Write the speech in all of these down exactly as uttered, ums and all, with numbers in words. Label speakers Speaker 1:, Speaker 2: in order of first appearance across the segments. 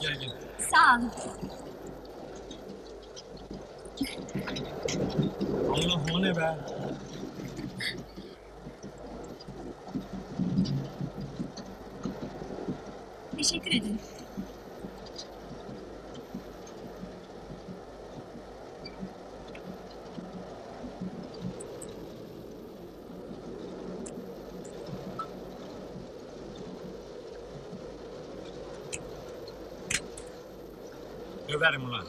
Speaker 1: Gel gel.
Speaker 2: Sağ olun.
Speaker 1: Allah, o ne be?
Speaker 2: Teşekkür ederim.
Speaker 1: Döverim ulan.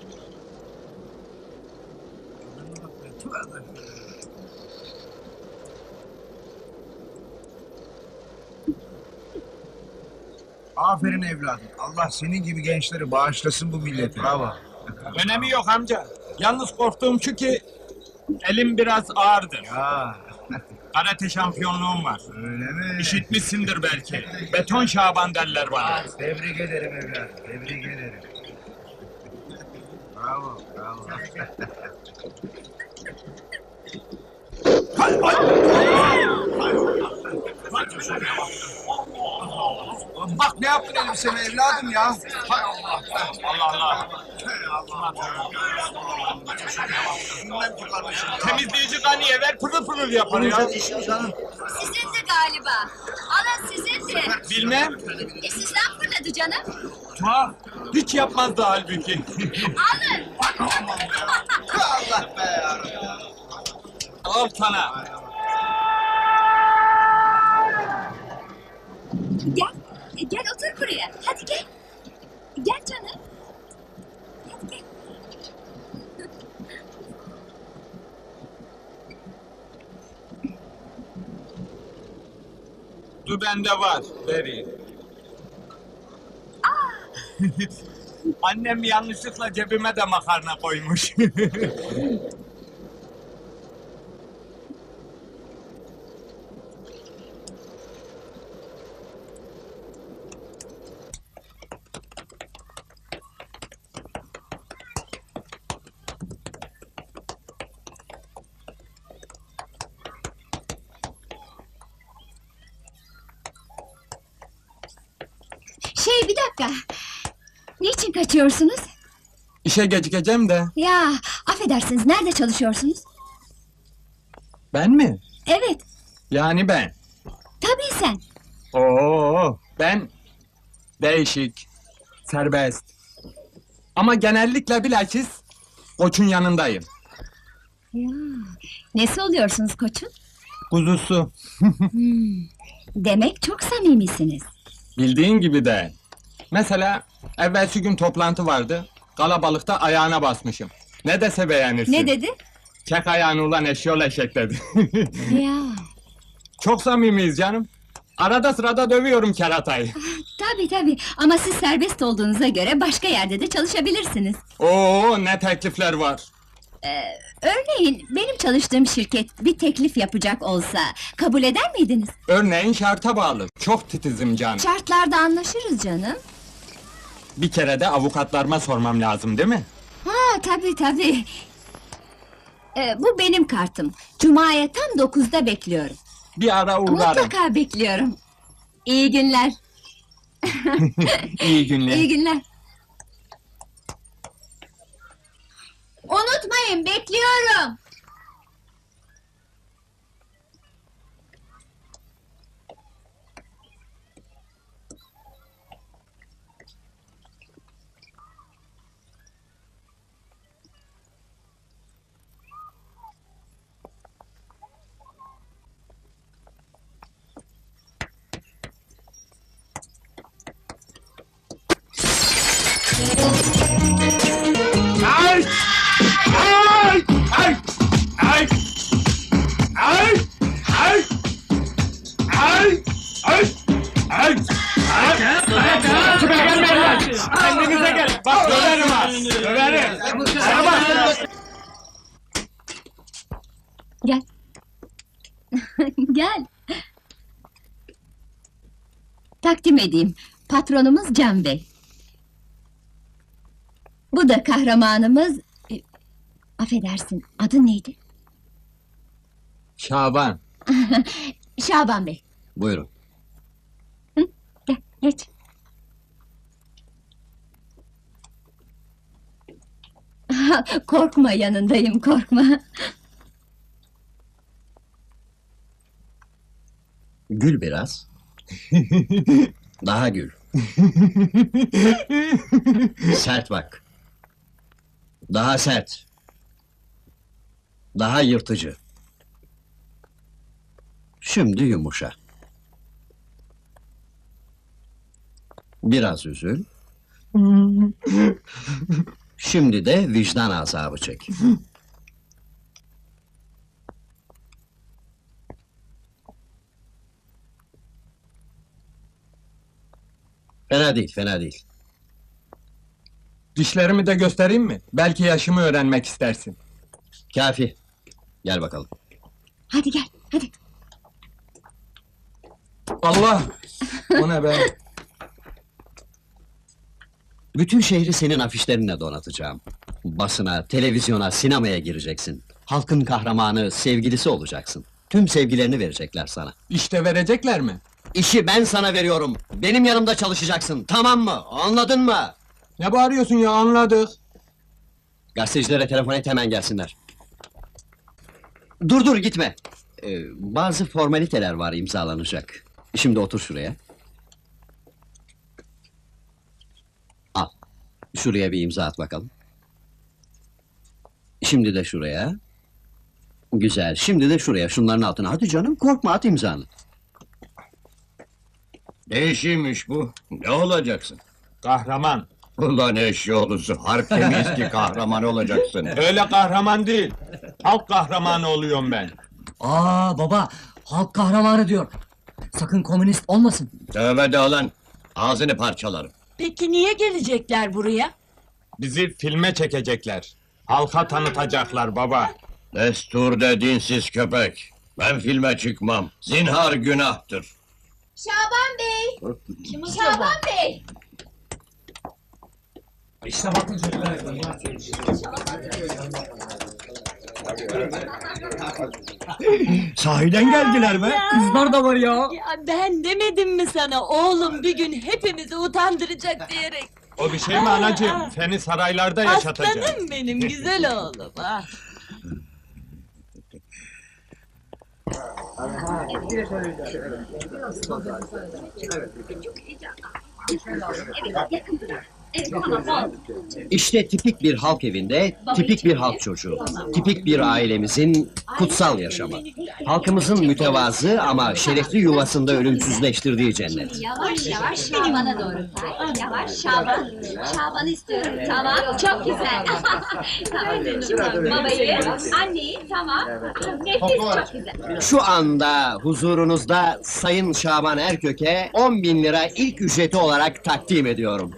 Speaker 3: Aferin evladım. Allah senin gibi gençleri bağışlasın bu millete. Bravo.
Speaker 1: Önemi yok amca. Yalnız korktuğum şu ki elim biraz ağırdır.
Speaker 3: Ya
Speaker 1: Karate şampiyonluğum var.
Speaker 3: öyle mi?
Speaker 1: İşitmişsindir belki. Beton Şaban derler bana.
Speaker 3: Tebrik ederim evladım. Tebrik ederim. Bravo, bravo. Bak ne yaptın elbiseme evladım ya. Hay Allah.
Speaker 1: Allah Allah.
Speaker 3: Bilmem ki kardeşim.
Speaker 1: Temizleyici kaniye ver pırıl pırıl yapar ya.
Speaker 3: işim canım.
Speaker 2: Sizin de galiba. Alın sizin de.
Speaker 1: Bilmem.
Speaker 2: E sizden fırladı canım.
Speaker 1: Ha, hiç yapmazdı halbuki.
Speaker 2: Alın.
Speaker 3: Allah be.
Speaker 1: Al sana.
Speaker 2: Gel. e, Gel otur buraya. Hadi gel. Gel canım. Hadi gel.
Speaker 1: Du bende var. Vereyim. Annem yanlışlıkla cebime de makarna koymuş.
Speaker 2: Şey bir dakika. Niçin kaçıyorsunuz?
Speaker 1: İşe gecikeceğim de.
Speaker 2: Ya affedersiniz nerede çalışıyorsunuz?
Speaker 1: Ben mi?
Speaker 2: Evet.
Speaker 1: Yani ben.
Speaker 2: Tabii sen.
Speaker 1: Oo, ben değişik, serbest. Ama genellikle bilakis koçun yanındayım.
Speaker 2: Ya. Nesi oluyorsunuz koçun?
Speaker 1: Kuzusu.
Speaker 2: Hmm, demek çok samimisiniz.
Speaker 1: Bildiğin gibi de. Mesela evvelsi gün toplantı vardı. Kalabalıkta ayağına basmışım. Ne dese beğenirsin.
Speaker 2: Ne dedi?
Speaker 1: Çek ayağını ulan eşyol eşek dedi.
Speaker 2: Ya.
Speaker 1: Çok samimiyiz canım. Arada sırada dövüyorum keratayı.
Speaker 2: Tabii tabii ama siz serbest olduğunuza göre başka yerde de çalışabilirsiniz.
Speaker 1: Oo, ne teklifler var.
Speaker 2: Ee, örneğin benim çalıştığım şirket bir teklif yapacak olsa kabul eder miydiniz?
Speaker 1: Örneğin şarta bağlı. Çok titizim canım.
Speaker 2: Şartlarda anlaşırız canım.
Speaker 1: Bir kere de avukatlarıma sormam lazım değil mi?
Speaker 2: Ha tabii tabii. Ee, bu benim kartım. Cuma'ya tam dokuzda bekliyorum.
Speaker 1: Bir ara uğrarım.
Speaker 2: Mutlaka bekliyorum. İyi günler.
Speaker 1: İyi günler.
Speaker 2: İyi günler. Unutmayın bekliyorum.
Speaker 1: Ay! Ay! Ay! Ay! Ay! Ay! Ay! Ay! Ay! Kime gelme lan! Kendinize gel! Bak döverim ha! Döverim! Bana bak!
Speaker 2: Gel. Gel. Takdim edeyim. Patronumuz Can Bey. Bu da kahramanımız... e, affedersin, adı neydi?
Speaker 1: Şaban.
Speaker 2: Şaban Bey.
Speaker 4: Buyurun.
Speaker 2: Gel, geç. Korkma, yanındayım, korkma.
Speaker 4: Gül biraz. Daha gül. Sert bak. Daha sert. Daha yırtıcı. Şimdi yumuşa. Biraz üzül. Şimdi de vicdan azabı çek. Fena değil, fena değil.
Speaker 1: Dişlerimi de göstereyim mi? Belki yaşımı öğrenmek istersin.
Speaker 4: Kafi. Gel bakalım.
Speaker 2: Hadi gel, hadi.
Speaker 1: Allah! O ne be?
Speaker 4: Bütün şehri senin afişlerinle donatacağım. Basına, televizyona, sinemaya gireceksin. Halkın kahramanı, sevgilisi olacaksın. Tüm sevgilerini verecekler sana.
Speaker 1: İşte verecekler mi?
Speaker 4: İşi ben sana veriyorum. Benim yanımda çalışacaksın. Tamam mı? Anladın mı?
Speaker 1: Ne bağırıyorsun ya, anladık.
Speaker 4: Gazetecilere telefon et, hemen gelsinler. Dur dur gitme. Ee, bazı formaliteler var imzalanacak. Şimdi otur şuraya. Al. Şuraya bir imza at bakalım. Şimdi de şuraya. Güzel. Şimdi de şuraya. Şunların altına. Hadi canım, korkma, at imzanı.
Speaker 5: Ne işiymiş bu? Ne olacaksın?
Speaker 1: Kahraman.
Speaker 5: Ulan eşyoğlusu, harp temiz ki kahraman olacaksın.
Speaker 1: Öyle kahraman değil. Halk kahramanı oluyorum ben.
Speaker 6: Aa baba, halk kahramanı diyor. Sakın komünist olmasın.
Speaker 5: Tövbe de lan, ağzını parçalarım.
Speaker 7: Peki niye gelecekler buraya?
Speaker 1: Bizi filme çekecekler. Halka tanıtacaklar baba.
Speaker 5: Destur de dinsiz köpek. Ben filme çıkmam. Zinhar günahtır.
Speaker 2: Şaban Bey! Şaban Bey!
Speaker 5: Sahiden geldiler be.
Speaker 6: Kızlar da var ya.
Speaker 7: Ya ben demedim mi sana oğlum bir gün hepimizi utandıracak diyerek.
Speaker 1: O bir şey mi anacığım? Seni saraylarda yaşatacağım.
Speaker 7: Aslanım benim güzel oğlum. Ah.
Speaker 4: İşte tipik bir halk evinde, tipik bir halk çocuğu. Tipik bir ailemizin kutsal yaşamı. Halkımızın mütevazı ama şerefli yuvasında ölümsüzleştirdiği cennet.
Speaker 2: Yavaş yavaş Şaban'a doğru say. Yavaş Şaban. Şaban'ı istiyorum. Tamam. Çok güzel. Tamam. Şimdi babayı, anneyi tamam. Nefis, çok güzel.
Speaker 4: Şu anda huzurunuzda Sayın Şaban Erkök'e on bin lira ilk ücreti olarak takdim ediyorum.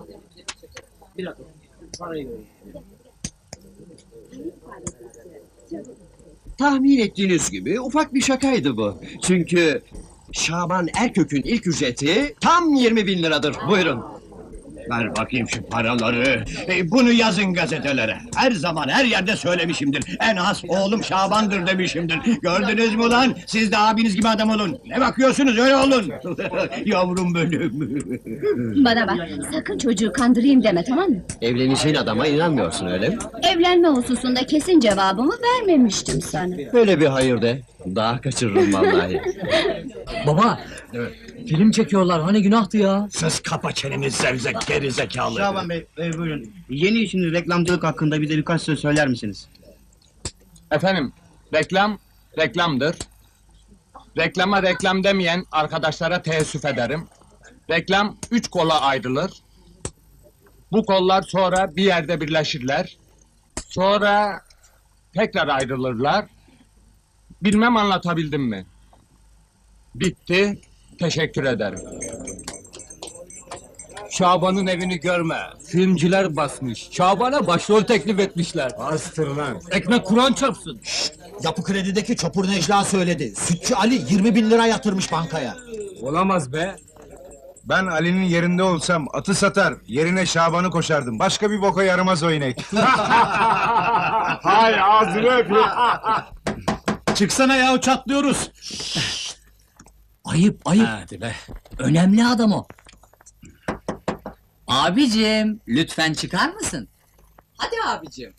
Speaker 4: Tahmin ettiğiniz gibi ufak bir şakaydı bu. Çünkü Şaban Erkök'ün ilk ücreti tam yirmi bin liradır. Buyurun.
Speaker 5: Ver bakayım şu paraları. E, bunu yazın gazetelere. Her zaman her yerde söylemişimdir. En az oğlum Şaban'dır demişimdir. Gördünüz mü lan? Siz de abiniz gibi adam olun. Ne bakıyorsunuz, öyle olun. Yavrum benim.
Speaker 2: Bana bak, sakın çocuğu kandırayım deme, tamam mı?
Speaker 4: Evleneceğin adama inanmıyorsun öyle mi?
Speaker 2: Evlenme hususunda kesin cevabımı vermemiştim sana.
Speaker 4: Böyle bir hayır de. Daha kaçırırım vallahi.
Speaker 6: Baba, film çekiyorlar, hani günahtı ya.
Speaker 5: Sus, kapa çeneni zevzek geri zekalı.
Speaker 8: Şaban Bey, e, buyurun. Yeni işiniz reklamcılık hakkında bize birkaç söz söyler misiniz?
Speaker 1: Efendim, reklam, reklamdır. Reklama reklam demeyen arkadaşlara teessüf ederim. Reklam üç kola ayrılır. Bu kollar sonra bir yerde birleşirler. Sonra tekrar ayrılırlar. Bilmem anlatabildim mi? Bitti. Teşekkür ederim.
Speaker 9: Şaban'ın evini görme. Filmciler basmış. Şaban'a başrol teklif etmişler.
Speaker 1: Bastır lan.
Speaker 9: Ekmek Kur'an çarpsın.
Speaker 10: Yapı Kredi'deki Çopur Necla söyledi. Sütçü Ali yirmi bin lira yatırmış bankaya.
Speaker 1: Olamaz be.
Speaker 3: Ben Ali'nin yerinde olsam atı satar, yerine Şaban'ı koşardım. Başka bir boka yaramaz o inek.
Speaker 1: Hay ağzını öpeyim.
Speaker 9: Çıksana ya, çatlıyoruz.
Speaker 6: Ayıp, ayıp.
Speaker 9: Hadi be.
Speaker 6: Önemli adam o.
Speaker 11: Abicim, lütfen çıkar mısın?
Speaker 10: Hadi abicim.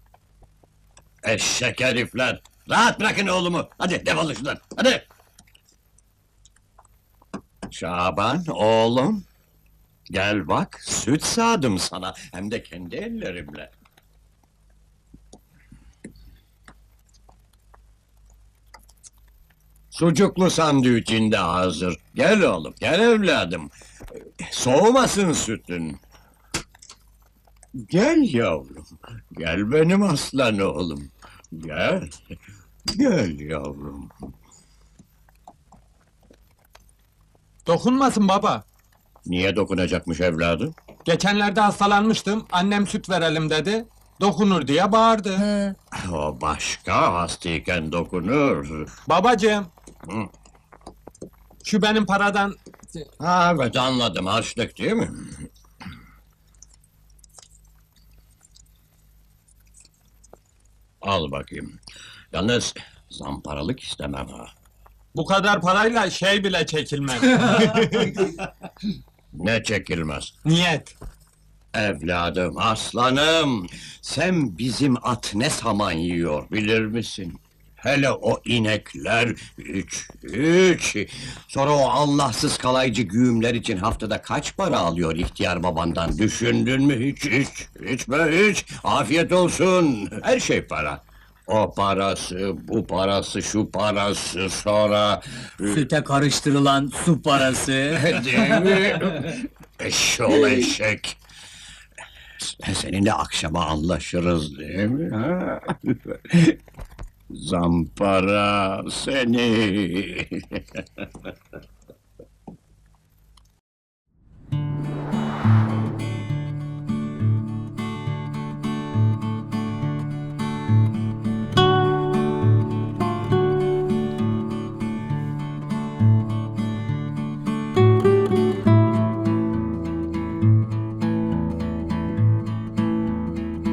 Speaker 5: Eşek herifler! Rahat bırakın oğlumu! Hadi defolun şuradan, hadi! Şaban, oğlum! Gel bak, süt sağdım sana, hem de kendi ellerimle. Sucuklu sandviçin de hazır. Gel oğlum, gel evladım. Soğumasın sütün. Gel yavrum, gel benim aslan oğlum. Gel, gel yavrum.
Speaker 1: Dokunmasın baba.
Speaker 5: Niye dokunacakmış evladım?
Speaker 1: Geçenlerde hastalanmıştım, annem süt verelim dedi. Dokunur diye bağırdı.
Speaker 6: He.
Speaker 5: O başka, hastayken dokunur.
Speaker 1: Babacığım.
Speaker 5: Hı.
Speaker 1: Şu benim paradan...
Speaker 5: Ha evet anladım, harçlık değil mi? Al bakayım. Yalnız zamparalık istemem ha.
Speaker 1: Bu kadar parayla şey bile çekilmez.
Speaker 5: Ne çekilmez.
Speaker 1: Niyet.
Speaker 5: Evladım, aslanım, sen bizim at ne saman yiyor bilir misin? Hele o inekler, üç, üç! Sonra o Allahsız kalaycı güğümler için haftada kaç para alıyor ihtiyar babandan, düşündün mü hiç, hiç, hiç be hiç! Afiyet olsun, her şey para. O parası, bu parası, şu parası, sonra...
Speaker 6: Süte karıştırılan su parası.
Speaker 5: Değil mi? Eşşoğlu eşek! Seninle akşama anlaşırız değil mi? Ha? Zampara seni!